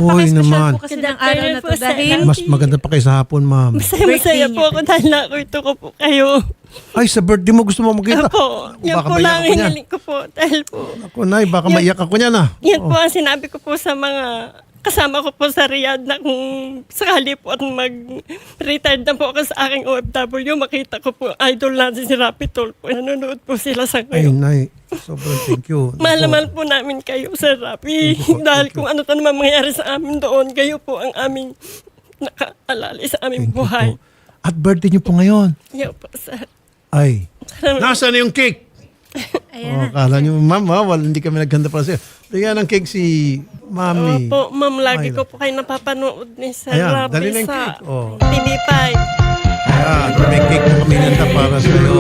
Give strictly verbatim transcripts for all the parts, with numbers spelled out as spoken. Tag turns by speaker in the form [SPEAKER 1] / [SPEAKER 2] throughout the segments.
[SPEAKER 1] naman.
[SPEAKER 2] Napaka-special po kasi ng araw na to dahil
[SPEAKER 1] Mas maganda pa kayo sa hapon, ma'am.
[SPEAKER 2] Birthday
[SPEAKER 3] Masaya-masaya po
[SPEAKER 2] niya.
[SPEAKER 3] ako dahil nakwento ko po kayo.
[SPEAKER 1] Ay, sa birthday mo gusto mo makita.
[SPEAKER 3] Opo, yan
[SPEAKER 1] Baka
[SPEAKER 3] po
[SPEAKER 1] maiyak
[SPEAKER 3] lang
[SPEAKER 1] ako niyan.
[SPEAKER 3] hiniling ko po. Dahil po,
[SPEAKER 1] Ako, Nay, baka maiyak ako niyan ah.
[SPEAKER 3] yan
[SPEAKER 1] Oo.
[SPEAKER 3] po ang sinabi ko po sa mga kasama ko po sa Riyadh na kung sakali po at mag-retired na po ako sa aking O F W, makita ko po idol natin si Rapi Tulfo. Nanonood po sila sa
[SPEAKER 1] Ay,
[SPEAKER 3] ngayon.
[SPEAKER 1] Nay, sobrang thank you.
[SPEAKER 3] Mahal na
[SPEAKER 1] Naku.
[SPEAKER 3] mahal po namin kayo, Sir Rapi.
[SPEAKER 1] Thank you po,
[SPEAKER 3] Dahil
[SPEAKER 1] thank you.
[SPEAKER 3] kung ano to naman mangyayari sa amin doon, kayo po ang aming nakaalala sa aming
[SPEAKER 1] Thank you
[SPEAKER 3] buhay.
[SPEAKER 1] po. At birthday niyo po ngayon.
[SPEAKER 3] Yan po, Sir.
[SPEAKER 1] Ay. Nasaan na yung cake? Oh,
[SPEAKER 2] ayan.
[SPEAKER 1] kala niyo, ma'am, ha, wala, hindi kami naghanda para sa'yo. Bigyan ng cake si Mami.
[SPEAKER 3] Opo, ma'am, lagi
[SPEAKER 1] Myla.
[SPEAKER 3] ko po kayo napapanood ni Sir
[SPEAKER 1] Ayan,
[SPEAKER 3] Rapi
[SPEAKER 1] dali na yung
[SPEAKER 3] sa
[SPEAKER 1] cake. Oh.
[SPEAKER 3] T V five.
[SPEAKER 1] Ayan, may cake po kami nanda para sa'yo.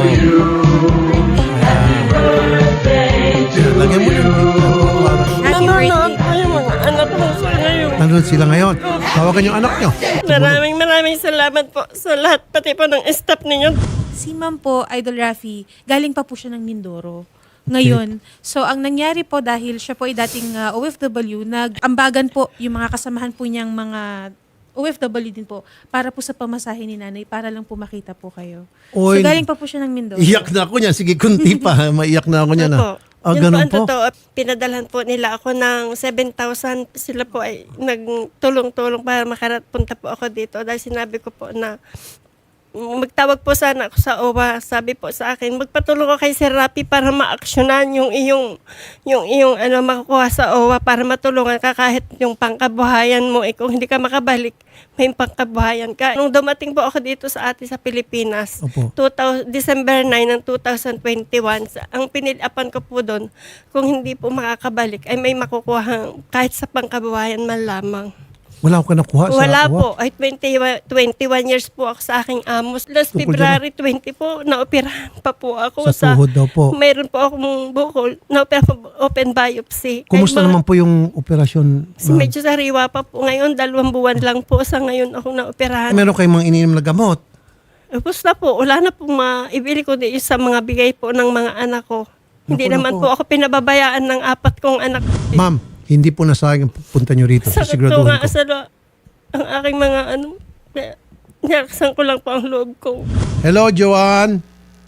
[SPEAKER 1] Ayan. Ayan, lagyan mo yung cake.
[SPEAKER 2] Happy
[SPEAKER 3] Nanonood
[SPEAKER 2] birthday.
[SPEAKER 3] po yung mga anak ko sa ngayon.
[SPEAKER 1] Nanonood sila ngayon. Tawagan yung anak niyo.
[SPEAKER 3] Maraming maraming salamat po sa lahat, pati po ng staff ninyo.
[SPEAKER 2] Si ma'am po, Idol Rafi, galing pa po siya ng Mindoro. Ngayon, so ang nangyari po dahil siya po ay dating uh, O F W, nag-ambagan po yung mga kasamahan po niyang mga O F W din po para po sa pamasahe ni nanay para lang po makita po kayo.
[SPEAKER 1] Oy,
[SPEAKER 2] so galing pa po siya ng Mindoro.
[SPEAKER 1] Iyak na ako niyan. Sige, kunti pa. ha. Maiyak na ako niyan.
[SPEAKER 3] Opo.
[SPEAKER 1] Ah, ah
[SPEAKER 3] Yun
[SPEAKER 1] ganun
[SPEAKER 3] ang
[SPEAKER 1] po.
[SPEAKER 3] totoo. Pinadalhan po nila ako ng seven thousand. Sila po ay nagtulong-tulong para makarapunta po ako dito. Dahil sinabi ko po na magtawag po sana ako sa O W A. Sabi po sa akin, magpatulong ko kay Sir Rapi para ma-actionan yung iyong, yung iyong ano, makukuha sa O W A para matulungan ka kahit yung pangkabuhayan mo. Eh, kung hindi ka makabalik, may pangkabuhayan ka. Nung dumating po ako dito sa atin sa Pilipinas,
[SPEAKER 1] Opo.
[SPEAKER 3] two thousand, December nine ng two thousand twenty-one, sa- ang piniliapan ko po doon, kung hindi po makakabalik, ay may makukuha kahit sa pangkabuhayan man lamang.
[SPEAKER 1] Wala ako nakuha sa
[SPEAKER 3] Wala
[SPEAKER 1] uwa.
[SPEAKER 3] po. Ay twenty-one, twenty-one years po ako sa aking amos. Last
[SPEAKER 1] Tungkol
[SPEAKER 3] February twenty po, naoperahan pa po ako.
[SPEAKER 1] Sa tuhod daw po.
[SPEAKER 3] Mayroon po akong bukol, naoperahan po, open biopsy.
[SPEAKER 1] Kumusta
[SPEAKER 3] Ay, mga-
[SPEAKER 1] naman po yung operasyon?
[SPEAKER 3] Si
[SPEAKER 1] ma'am?
[SPEAKER 3] medyo sariwa pa po. Ngayon, dalawang buwan lang po sa ngayon ako
[SPEAKER 1] Eh,
[SPEAKER 3] naoperahan.
[SPEAKER 1] meron kayong mga ininom na gamot.
[SPEAKER 3] Tapos na po, wala na po maibili ko di sa mga bigay po ng mga anak ko. Hindi
[SPEAKER 1] Naku,
[SPEAKER 3] naman
[SPEAKER 1] naku.
[SPEAKER 3] po ako pinababayaan ng apat kong anak.
[SPEAKER 1] Ma'am, hindi po nasayang ang punta nyo rito.
[SPEAKER 3] Sakit po
[SPEAKER 1] Siguraduhin
[SPEAKER 3] nga
[SPEAKER 1] ko.
[SPEAKER 3] sa lo- ang aking mga ano, kaya niyaksan ko lang po ang loob ko.
[SPEAKER 1] Hello, Joanne.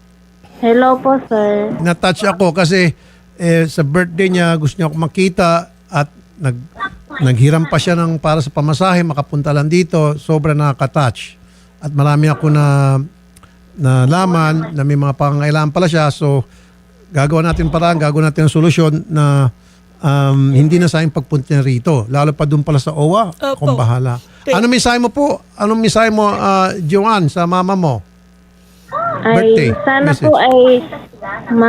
[SPEAKER 4] Hello po, sir.
[SPEAKER 1] Na-touch ako kasi eh, sa birthday niya gusto niya ako makita at nag, naghiram pa siya ng para sa pamasahe, makapunta lang dito. Sobra nakaka-touch. At marami ako na nalaman na may mga pangangailangan pala siya. So, gagawa natin paraan, gagawa natin ang solusyon na um, hindi na sayang pagpunta niya rito. Lalo pa doon pala sa O W A.
[SPEAKER 3] Opo.
[SPEAKER 1] Kung bahala.
[SPEAKER 3] Okay.
[SPEAKER 1] Anong mensahe mo po? Anong mensahe mo, ah, Joanne, sa mama mo?
[SPEAKER 4] Ay,
[SPEAKER 1] Birthday
[SPEAKER 4] sana
[SPEAKER 1] message.
[SPEAKER 4] po ay ma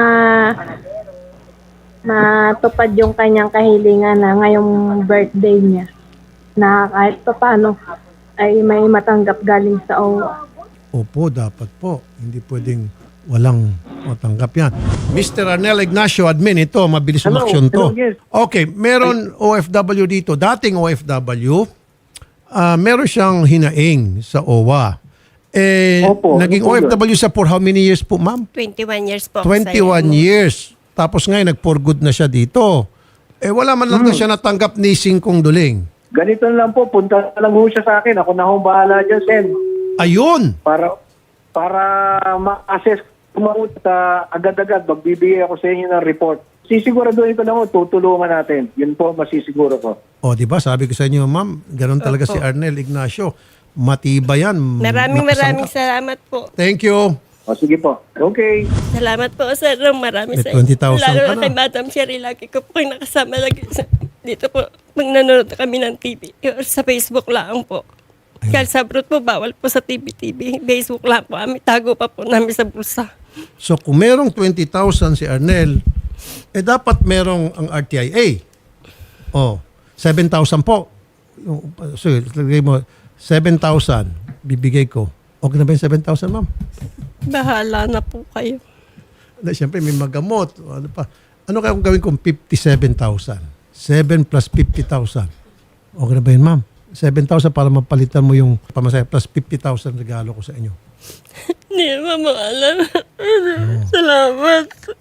[SPEAKER 4] matupad yung kanyang kahilingan na ngayong birthday niya. Na kahit pa paano ay may matanggap galing sa O W A.
[SPEAKER 1] Opo, dapat po. Hindi pwedeng walang matanggap yan. Mister Arnel Ignacio, admin, ito, mabilis
[SPEAKER 5] Hello,
[SPEAKER 1] umaksyon to.
[SPEAKER 5] hello, yes.
[SPEAKER 1] Okay, meron O F W dito, dating O F W, ah meron siyang hinaing sa O W A. Eh,
[SPEAKER 5] Opo,
[SPEAKER 1] naging
[SPEAKER 5] ano po
[SPEAKER 1] O F W sa for how many years po, ma'am?
[SPEAKER 3] twenty-one years po ako
[SPEAKER 1] twenty-one
[SPEAKER 3] sa iyo.
[SPEAKER 1] years. Tapos ngayon, nag-for good na siya dito. Eh, wala man lang
[SPEAKER 5] Hmm.
[SPEAKER 1] na siya natanggap ni Singkong Duling.
[SPEAKER 5] Ganito na lang po, punta na lang ho siya sa akin. Ako na ho bahala dyan, Sen.
[SPEAKER 1] Ayun!
[SPEAKER 5] Para, para ma-assess kumamot sa agad-agad, magbibigay ako sa inyo ng report. Sisiguraduhin ko lang ho, tutulungan natin. Yun po, masisiguro ko.
[SPEAKER 1] O, di ba? Sabi ko sa inyo, ma'am, ganun talaga si Arnel Ignacio. Matibay yan.
[SPEAKER 3] Maraming
[SPEAKER 1] Nakasangka.
[SPEAKER 3] maraming salamat po.
[SPEAKER 1] Thank you.
[SPEAKER 5] O sige po. Okay.
[SPEAKER 3] Salamat po, Sir Rom. Maraming
[SPEAKER 1] May
[SPEAKER 3] sa
[SPEAKER 1] twenty thousand
[SPEAKER 3] Lalo
[SPEAKER 1] ka
[SPEAKER 3] na
[SPEAKER 1] na.
[SPEAKER 3] kay Madam Sherry. Lagi ko po kayo nakasama lagi sa, dito po. Pag nanonood kami ng T V. Or sa Facebook lang po. Kaya sa abroad po, bawal po sa T V T V. Facebook lang po. Kami tago pa po namin sa bulsa.
[SPEAKER 1] So kung merong twenty thousand si Arnel, eh dapat merong ang R T I A. Oh, seven thousand po. Yung, so, lagay mo, seven thousand bibigay ko. Okay na ba yung seven thousand, ma'am?
[SPEAKER 3] Bahala na po kayo.
[SPEAKER 1] Na, siyempre, may magamot. Ano pa? Ano kaya kung gawin kong fifty-seven thousand? seven plus fifty thousand. Okay na ba yun, ma'am? seven thousand para mapalitan mo yung pamasahe plus fifty thousand regalo ko sa inyo.
[SPEAKER 3] Hindi naman maalam. Salamat.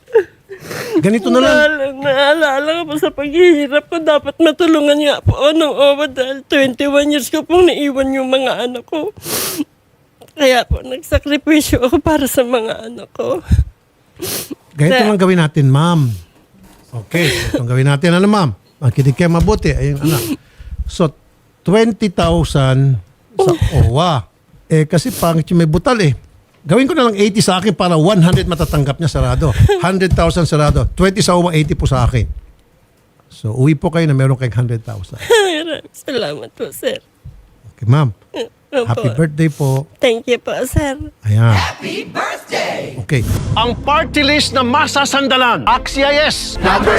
[SPEAKER 1] Ganito na lang.
[SPEAKER 3] Naalala, naalala ko po sa paghihirap ko, dapat matulungan nga po ako ng O W A dahil twenty-one years ko pong naiwan yung mga anak ko. Kaya po, nagsakripisyo ako para sa mga anak ko.
[SPEAKER 1] Ganito
[SPEAKER 3] Sir.
[SPEAKER 1] lang gawin natin, ma'am. Okay, ganito lang gawin natin. Ano, ma'am? Makinig kayo mabuti. Ayun, anak. So, twenty thousand sa O W A. Eh, kasi pangit yung may butal eh. Gawin ko na lang eighty sa akin para one hundred matatanggap niya sarado. one hundred thousand sarado. twenty sa O W A, eighty po sa akin. So, uwi po kayo na meron kayong one hundred thousand.
[SPEAKER 3] Maraming salamat po, sir.
[SPEAKER 1] Okay, ma'am.
[SPEAKER 3] Opo.
[SPEAKER 1] Happy birthday po.
[SPEAKER 3] Thank you po, sir.
[SPEAKER 1] Ayan. Happy birthday! Okay.
[SPEAKER 6] Ang party list na masasandalan. Axia yes!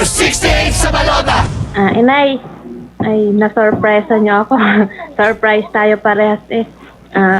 [SPEAKER 4] Ah, inay, ay na-surprise niyo ako. Surprise tayo parehas eh. Ah,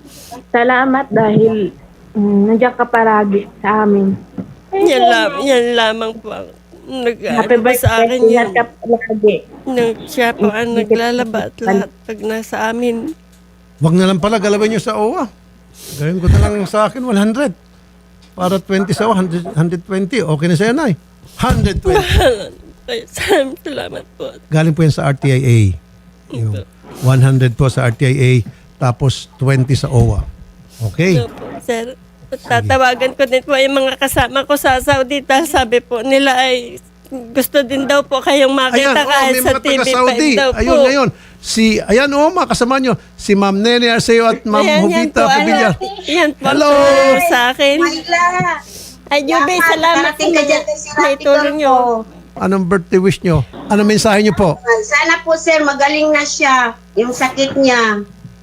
[SPEAKER 4] salamat dahil mm, nandiyan ka paragi sa amin.
[SPEAKER 3] Yan, lam, yan lamang po ang nag
[SPEAKER 4] Happy
[SPEAKER 3] ano ba sa
[SPEAKER 4] birthday,
[SPEAKER 3] akin
[SPEAKER 4] ingat
[SPEAKER 3] yan.
[SPEAKER 4] ka palagi.
[SPEAKER 3] Nang siya po ang naglalaba at lahat pag nasa amin.
[SPEAKER 1] Wag na lang pala galawin nyo sa O W A. Gawin ko na lang sa akin one hundred. Para twenty sa O W A, one hundred, one hundred twenty. Okay na sa'yo, Nay. one hundred twenty.
[SPEAKER 3] Ay, salamat, salamat po.
[SPEAKER 1] Galing po yan sa R T I A. Yung one hundred po sa R T I A, tapos twenty sa O W A. Okay?
[SPEAKER 3] Opo, sir. Tatawagan ko din po yung mga kasama ko sa Saudi dahil sabi po nila ay gusto din daw po kayong
[SPEAKER 1] Ayan,
[SPEAKER 3] makita
[SPEAKER 1] oh,
[SPEAKER 3] kahit
[SPEAKER 1] may
[SPEAKER 3] sa
[SPEAKER 1] mga
[SPEAKER 3] T V
[SPEAKER 1] taga-Saudi.
[SPEAKER 3] five daw po.
[SPEAKER 1] Ayun, ngayon. Si, ayan, oh, mga kasama nyo. Si Ma'am Nene Arceo at Ma'am
[SPEAKER 3] Ayan, yan
[SPEAKER 1] Jovita
[SPEAKER 3] po,
[SPEAKER 1] Pavillar.
[SPEAKER 3] ano, yan po
[SPEAKER 1] Hello!
[SPEAKER 3] po sa akin.
[SPEAKER 7] Myla!
[SPEAKER 3] Ay, Jube, salamat
[SPEAKER 7] Darating ka dyan kasi
[SPEAKER 3] sa itulong nyo.
[SPEAKER 1] Anong birthday wish nyo? Anong mensahe nyo po?
[SPEAKER 7] Sana po sir, magaling na siya. Yung sakit niya.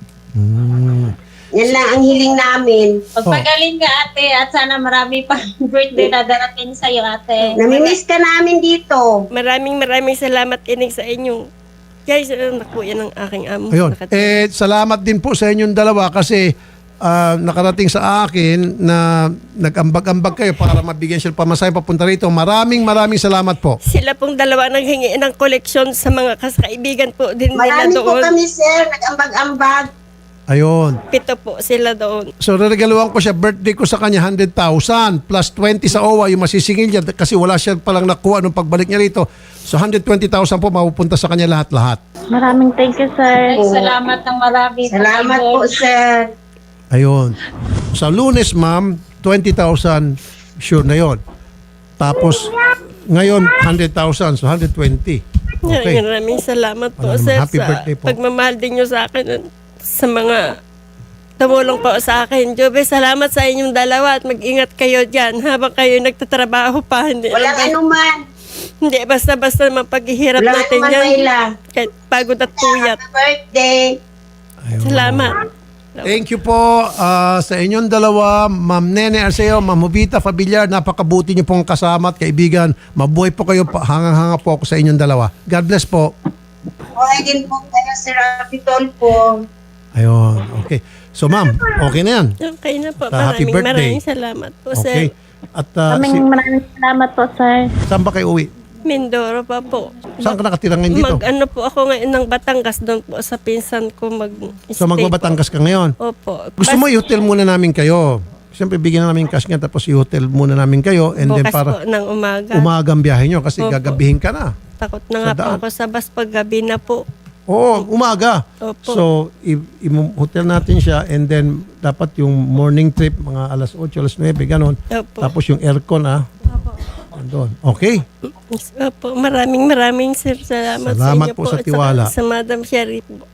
[SPEAKER 1] Hmm.
[SPEAKER 7] Yan lang ang hiling namin.
[SPEAKER 8] Pagpagaling ka ate at sana marami pang birthday na darating sa'yo ate.
[SPEAKER 7] Namimiss ka namin dito.
[SPEAKER 3] Maraming maraming salamat inig sa inyo. Guys, ano na po yan ang aking amo.
[SPEAKER 1] Ayun.
[SPEAKER 3] Nakat-
[SPEAKER 1] Eh, salamat din po sa inyong dalawa kasi ah, nakarating sa akin na nag-ambag-ambag kayo para mabigyan siya pamasahe papunta rito. Maraming maraming salamat po.
[SPEAKER 3] Sila pong dalawa naghingi ng koleksyon sa mga kaibigan po din nila
[SPEAKER 7] Marami po
[SPEAKER 3] doon.
[SPEAKER 7] kami sir, nag-ambag-ambag.
[SPEAKER 1] Ayun.
[SPEAKER 3] Pito po sila doon.
[SPEAKER 1] So, regaluhan ko siya, birthday ko sa kanya, one hundred thousand plus twenty sa O W A, yung masisingil niya kasi wala siya palang nakuha nung pagbalik niya rito. So, one hundred twenty thousand po mapupunta sa kanya lahat-lahat.
[SPEAKER 4] Maraming thank you, sir.
[SPEAKER 8] Ay, salamat ng marami.
[SPEAKER 7] Salamat po sir.
[SPEAKER 1] Ayun. Sa Lunes, ma'am, twenty thousand, sure na yon. Tapos, ngayon, one hundred thousand, so one hundred twenty. Okay.
[SPEAKER 3] Maraming salamat po,
[SPEAKER 1] Maraming
[SPEAKER 3] sir,
[SPEAKER 1] happy
[SPEAKER 3] sa
[SPEAKER 1] birthday po.
[SPEAKER 3] pagmamahal din nyo sa akin sa mga tumulong po sa akin. Jobe, salamat sa inyong dalawa at mag-ingat kayo dyan habang kayo nagtatrabaho pa. Hindi,
[SPEAKER 7] Walang anuman.
[SPEAKER 3] hindi basta-basta mapaghihirap
[SPEAKER 7] Walang
[SPEAKER 3] natin
[SPEAKER 7] anuman,
[SPEAKER 3] yan.
[SPEAKER 7] Myla.
[SPEAKER 3] Kahit pagod at tuyat.
[SPEAKER 7] Happy birthday.
[SPEAKER 1] Ayun.
[SPEAKER 3] Salamat.
[SPEAKER 1] Thank you po ah, sa inyong dalawa, Ma'am Nene Arceo, Ma'am Jovita Pavillar. Napakabuti niyo pong kasama at kaibigan. Mabuhay po kayo. pa- Hangang-hanga po ako sa inyong dalawa. God bless po.
[SPEAKER 7] Okay din po kayo sir Rapitol po.
[SPEAKER 1] Ayun. Okay. So, ma'am, okay na yan.
[SPEAKER 3] Okay na po.
[SPEAKER 1] Sa happy
[SPEAKER 3] Maraming
[SPEAKER 1] birthday.
[SPEAKER 3] maraming salamat po,
[SPEAKER 1] Okay.
[SPEAKER 3] sir.
[SPEAKER 1] At ah, si,
[SPEAKER 4] Maraming maraming salamat po, sir.
[SPEAKER 1] saan ba kayo uwi?
[SPEAKER 3] Mindoro pa po.
[SPEAKER 1] Saan ka nakatira ngayon dito?
[SPEAKER 3] Mag ano po ako ngayon ng Batangas doon po sa pinsan ko mag
[SPEAKER 1] So, magbabatangas ka ngayon?
[SPEAKER 3] Opo.
[SPEAKER 1] Gusto mo i-hotel muna namin kayo. Siyempre, bigyan na namin cash nga tapos i-hotel muna namin kayo and then
[SPEAKER 3] Bukas
[SPEAKER 1] para
[SPEAKER 3] po ng umaga.
[SPEAKER 1] umagang biyahe nyo kasi
[SPEAKER 3] Opo.
[SPEAKER 1] gagabihin ka na.
[SPEAKER 3] Takot na
[SPEAKER 1] Sa
[SPEAKER 3] nga po
[SPEAKER 1] daan.
[SPEAKER 3] ako sa bus pag gabi na po.
[SPEAKER 1] Oo, umaga.
[SPEAKER 3] Opo.
[SPEAKER 1] So, i- i-hotel natin siya and then dapat yung morning trip, mga alas eight, alas nine, ganon.
[SPEAKER 3] Opo.
[SPEAKER 1] Tapos yung aircon, ah. Andun. Okay.
[SPEAKER 3] Opo. Maraming maraming sir. Salamat,
[SPEAKER 1] Salamat
[SPEAKER 3] sa inyo
[SPEAKER 1] po sa
[SPEAKER 3] at
[SPEAKER 1] tiwala.
[SPEAKER 3] Sa, sa Madam Sharif po.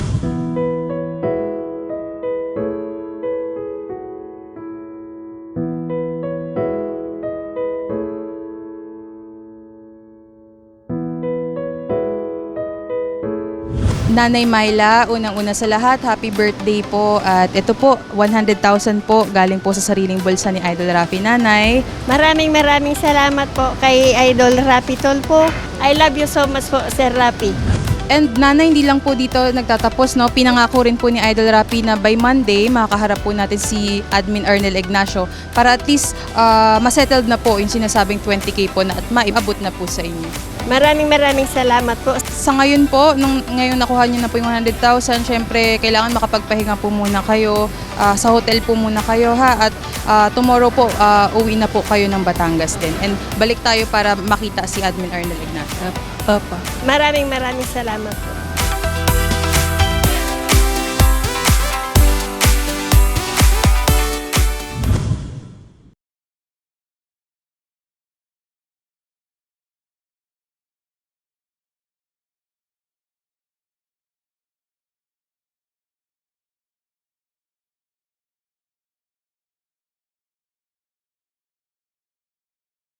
[SPEAKER 9] Nanay Myla, unang-una sa lahat, happy birthday po. At ito po, one hundred thousand po galing po sa sariling bulsa ni Idol Rafi. Nanay,
[SPEAKER 3] Maraming maraming salamat po kay Idol Rapi Tol po. I love you so much po, Sir Rapi.
[SPEAKER 9] and nanay, hindi lang po dito nagtatapos, no? Pinangako rin po ni Idol Rafi na by Monday, makakaharap po natin si Admin Arnel Ignacio para at least uh, masettled na po yung sinasabing twenty K po na at maibabot na po sa inyo.
[SPEAKER 3] Maraming maraming salamat po.
[SPEAKER 9] Sa ngayon po, nung ngayon nakuha niyo na po yung one hundred thousand, syempre kailangan makapagpahinga po muna kayo. Ah, sa hotel po muna kayo ha. At ah, tomorrow po, ah, uwi na po kayo ng Batangas din. And balik tayo para makita si Admin Arnel Ignacio.
[SPEAKER 2] Opo.
[SPEAKER 3] Maraming maraming salamat po.